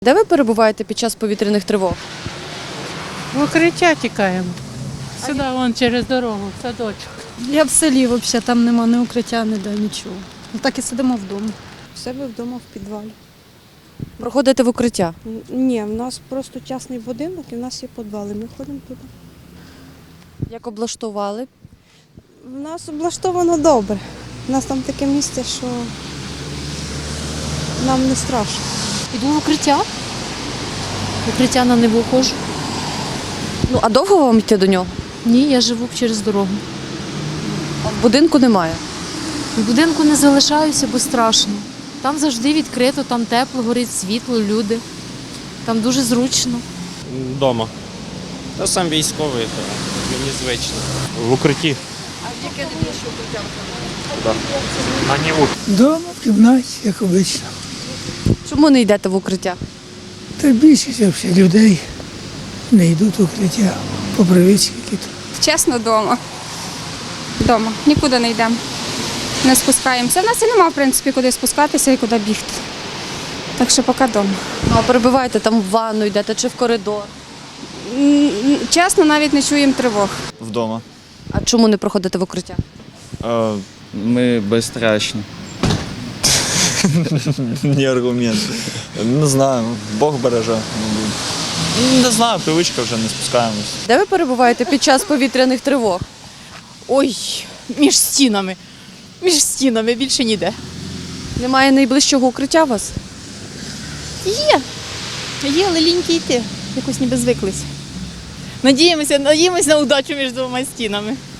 Де ви перебуваєте під час повітряних тривог? В укриття тікаємо. Сюди, вон через дорогу, в садочок. Я в селі взагалі, там нема ні укриття, ніде нічого. Так і сидимо вдома. В себе вдома в підвалі. Проходите в укриття? Ні, в нас просто частний будинок і в нас є підвали. Ми ходимо туди. Як облаштували? В нас облаштовано добре. У нас там таке місце, що нам не страшно. Іду в укриття. В укриття на Неву ходжу. Ну, а довго вам йти до нього? Ні, я живу через дорогу. А в будинку немає. В будинку не залишаюся, бо страшно. Там завжди відкрито, там тепло, горить світло, люди. Там дуже зручно. Вдома. Та сам військовий, то мені звично. В укритті. А в яке найбільше укриття На Неву. Дома, в кімнаті, як обично. Чому не йдете в укриття? Та більшість взагалі людей не йдуть в укриття по привичці якісь. Чесно, вдома. Вдома. Нікуди не йдемо. Не спускаємося. У нас і нема, в принципі, куди спускатися і куди бігти. Так що поки вдома. Ну, а перебуваєте там в ванну йдете чи в коридор? Чесно, навіть не чуємо тривог. Вдома. А чому не проходите в укриття? Ми безстрашні. Не аргумент. Не знаю, Бог береже. Не знаю, привичка вже не спускаємось. Де ви перебуваєте під час повітряних тривог? Ой, між стінами. Між стінами, більше ніде. Немає найближчого укриття у вас? Є, але ліньки йти. Якось ніби звиклись. Надіємося на удачу між двома стінами.